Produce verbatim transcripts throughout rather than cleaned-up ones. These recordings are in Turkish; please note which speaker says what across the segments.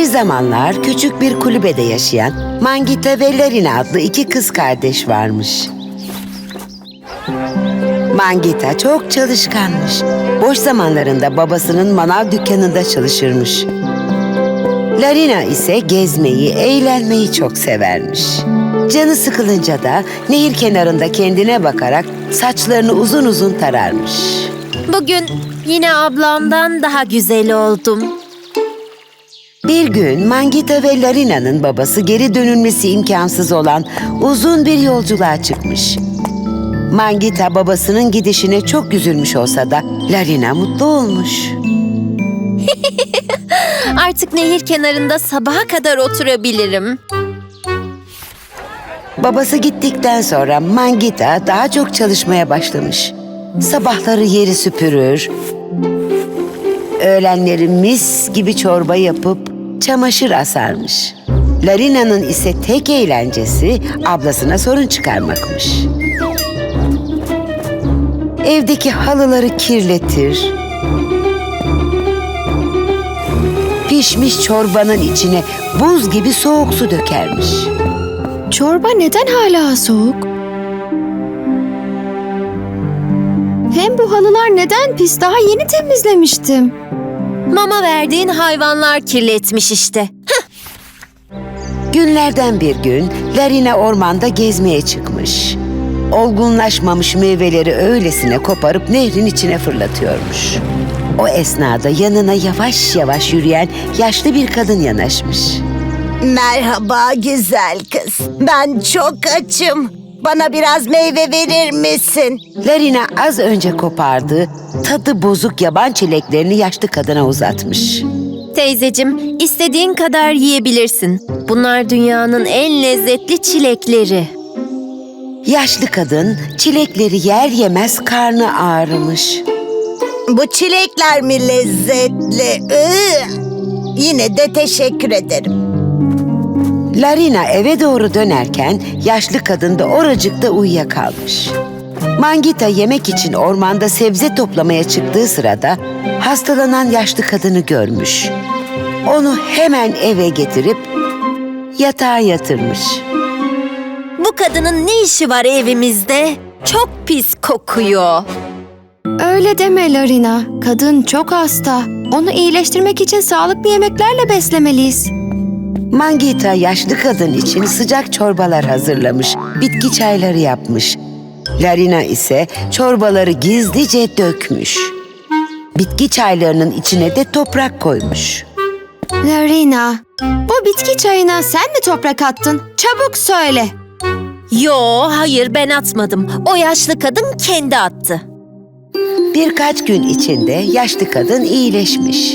Speaker 1: zamanlar küçük bir kulübede yaşayan Mangita ve Larina adlı iki kız kardeş varmış. Mangita çok çalışkanmış. Boş zamanlarında babasının manav dükkanında çalışırmış. Larina ise gezmeyi, eğlenmeyi çok severmiş. Canı sıkılınca da nehir kenarında kendine bakarak saçlarını uzun uzun tararmış.
Speaker 2: Bugün yine ablamdan daha güzel oldum.
Speaker 1: Bir gün Mangita ve Larina'nın babası geri dönülmesi imkansız olan uzun bir yolculuğa çıkmış. Mangita babasının gidişine çok üzülmüş olsa da Larina mutlu olmuş.
Speaker 2: Artık nehir kenarında sabaha kadar oturabilirim.
Speaker 1: Babası gittikten sonra Mangita daha çok çalışmaya başlamış. Sabahları yeri süpürür, öğlenleri mis gibi çorba yapıp çamaşır asarmış. Larina'nın ise tek eğlencesi ablasına sorun çıkarmakmış. Evdeki halıları kirletir, pişmiş çorbanın içine buz gibi soğuk su dökermiş.
Speaker 3: Çorba neden hala soğuk? Hem bu halılar neden pis? Daha yeni temizlemiştim.
Speaker 2: Mama verdiğin hayvanlar kirletmiş işte.
Speaker 1: Günlerden bir gün Larina ormanda gezmeye çıkmış. Olgunlaşmamış meyveleri öylesine koparıp nehrin içine fırlatıyormuş. O esnada yanına yavaş yavaş yürüyen yaşlı bir kadın yanaşmış.
Speaker 4: Merhaba güzel kız. Ben çok açım. Bana biraz meyve verir misin?
Speaker 1: Larina az önce kopardığı tadı bozuk yaban çileklerini yaşlı kadına uzatmış.
Speaker 2: Teyzecim, istediğin kadar yiyebilirsin. Bunlar dünyanın en lezzetli çilekleri.
Speaker 1: Yaşlı kadın çilekleri yer yemez karnı ağrımış.
Speaker 4: Bu çilekler mi lezzetli? Iı! Yine de teşekkür ederim.
Speaker 1: Larina eve doğru dönerken yaşlı kadın da oracıkta uyuyakalmış. Mangita yemek için ormanda sebze toplamaya çıktığı sırada hastalanan yaşlı kadını görmüş. Onu hemen eve getirip yatağa yatırmış.
Speaker 2: Bu kadının ne işi var evimizde? Çok pis kokuyor.
Speaker 3: Öyle deme Larina. Kadın çok hasta. Onu iyileştirmek için sağlıklı yemeklerle beslemeliyiz.
Speaker 1: Mangita yaşlı kadın için sıcak çorbalar hazırlamış, bitki çayları yapmış. Larina ise çorbaları gizlice dökmüş. Bitki çaylarının içine de toprak koymuş.
Speaker 3: Larina, bu bitki çayına sen mi toprak attın? Çabuk söyle.
Speaker 2: Yo, hayır ben atmadım. O yaşlı kadın kendi attı.
Speaker 1: Birkaç gün içinde yaşlı kadın iyileşmiş.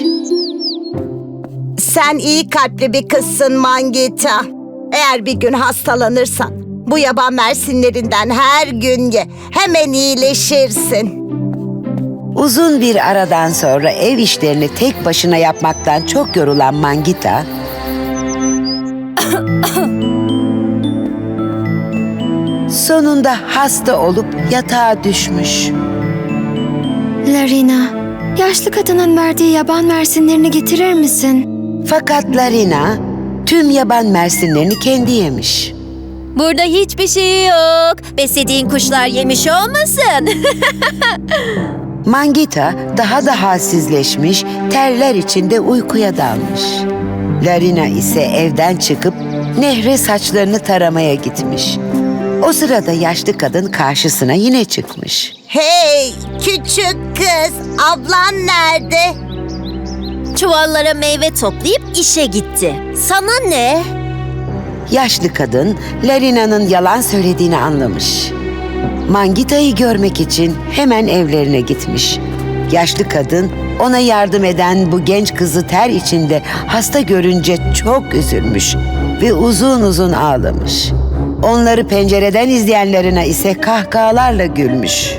Speaker 4: Sen iyi kalpli bir kızsın Mangita. Eğer bir gün hastalanırsan bu yaban mersinlerinden her gün ye. Hemen iyileşirsin.
Speaker 1: Uzun bir aradan sonra ev işlerini tek başına yapmaktan çok yorulan Mangita, sonunda hasta olup yatağa düşmüş.
Speaker 3: Larina, yaşlı kadının verdiği yaban mersinlerini getirir misin?
Speaker 1: Fakat Larina tüm yaban mersinlerini kendi yemiş.
Speaker 2: Burada hiçbir şey yok. Beslediğin kuşlar yemiş olmasın?
Speaker 1: Mangita daha da halsizleşmiş, terler içinde uykuya dalmış. Larina ise evden çıkıp nehre saçlarını taramaya gitmiş. O sırada yaşlı kadın karşısına yine çıkmış.
Speaker 4: Hey küçük kız, ablan nerede?
Speaker 2: Çuvallara meyve toplayıp işe gitti. Sana ne?
Speaker 1: Yaşlı kadın Larina'nın yalan söylediğini anlamış. Mangita'yı görmek için hemen evlerine gitmiş. Yaşlı kadın ona yardım eden bu genç kızı ter içinde hasta görünce çok üzülmüş ve uzun uzun ağlamış. Onları pencereden izleyenlerine ise kahkahalarla gülmüş.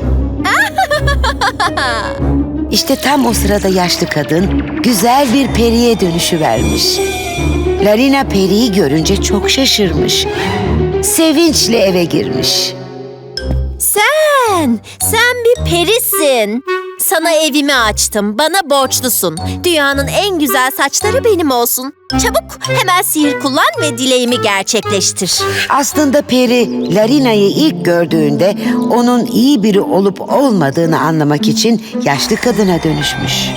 Speaker 1: İşte tam o sırada yaşlı kadın güzel bir periye dönüşüvermiş. Larina periyi görünce çok şaşırmış. Sevinçle eve girmiş.
Speaker 2: Sen, sen bir perisin. Sana evimi açtım. Bana borçlusun. Dünyanın en güzel saçları benim olsun. Çabuk hemen sihir kullan ve dileğimi gerçekleştir.
Speaker 1: Aslında peri Larina'yı ilk gördüğünde onun iyi biri olup olmadığını anlamak için yaşlı kadına dönüşmüş.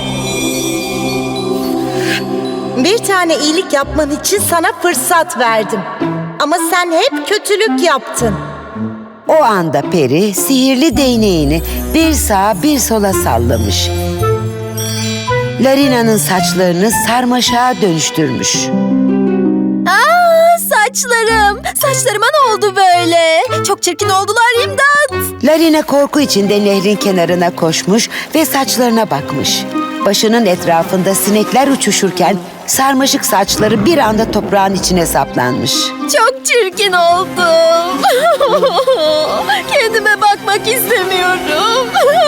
Speaker 4: Bir tane iyilik yapman için sana fırsat verdim. Ama sen hep kötülük yaptın.
Speaker 1: O anda peri sihirli değneğini bir sağa bir sola sallamış. Larina'nın saçlarını sarmaşığa dönüştürmüş.
Speaker 2: Aa, saçlarım. Saçlarıma ne oldu böyle? Çok çirkin oldular, imdat.
Speaker 1: Larina korku içinde nehrin kenarına koşmuş ve saçlarına bakmış. Başının etrafında sinekler uçuşurken sarmaşık saçları bir anda toprağın içine saplanmış.
Speaker 2: Çok çirkin oldum. Kendime bakmak istemiyorum.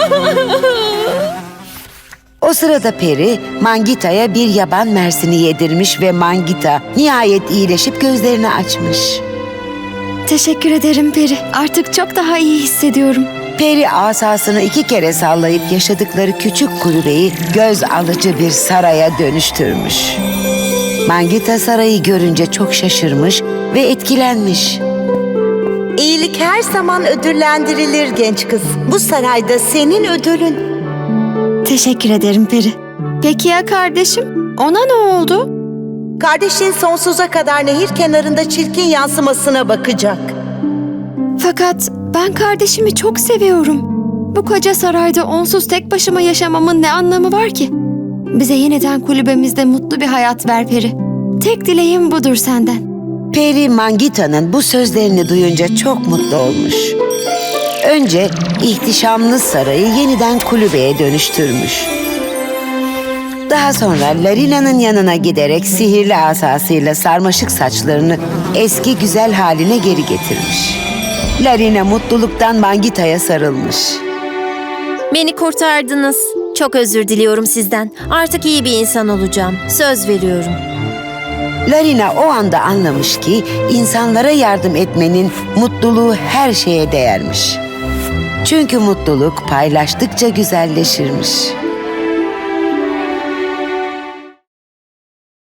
Speaker 1: O sırada peri Mangita'ya bir yaban mersini yedirmiş ve Mangita nihayet iyileşip gözlerini açmış.
Speaker 3: Teşekkür ederim Peri. Artık çok daha iyi hissediyorum.
Speaker 1: Peri asasını iki kere sallayıp yaşadıkları küçük kulübeyi göz alıcı bir saraya dönüştürmüş. Mangita sarayı görünce çok şaşırmış ve etkilenmiş.
Speaker 4: İyilik her zaman ödüllendirilir genç kız. Bu sarayda senin ödülün.
Speaker 3: Teşekkür ederim Peri. Peki ya kardeşim? Ona ne oldu?
Speaker 4: Kardeşin sonsuza kadar nehir kenarında çirkin yansımasına bakacak.
Speaker 3: Fakat ben kardeşimi çok seviyorum. Bu koca sarayda onsuz tek başıma yaşamamın ne anlamı var ki? Bize yeniden kulübemizde mutlu bir hayat ver Peri. Tek dileğim budur senden.
Speaker 1: Peri Mangita'nın bu sözlerini duyunca çok mutlu olmuş. Önce ihtişamlı sarayı yeniden kulübeye dönüştürmüş. Daha sonra Larina'nın yanına giderek sihirli asasıyla sarmaşık saçlarını eski güzel haline geri getirmiş. Larina mutluluktan Mangita'ya sarılmış.
Speaker 2: Beni kurtardınız. Çok özür diliyorum sizden. Artık iyi bir insan olacağım. Söz veriyorum.
Speaker 1: Larina o anda anlamış ki insanlara yardım etmenin mutluluğu her şeye değermiş. Çünkü mutluluk paylaştıkça güzelleşirmiş.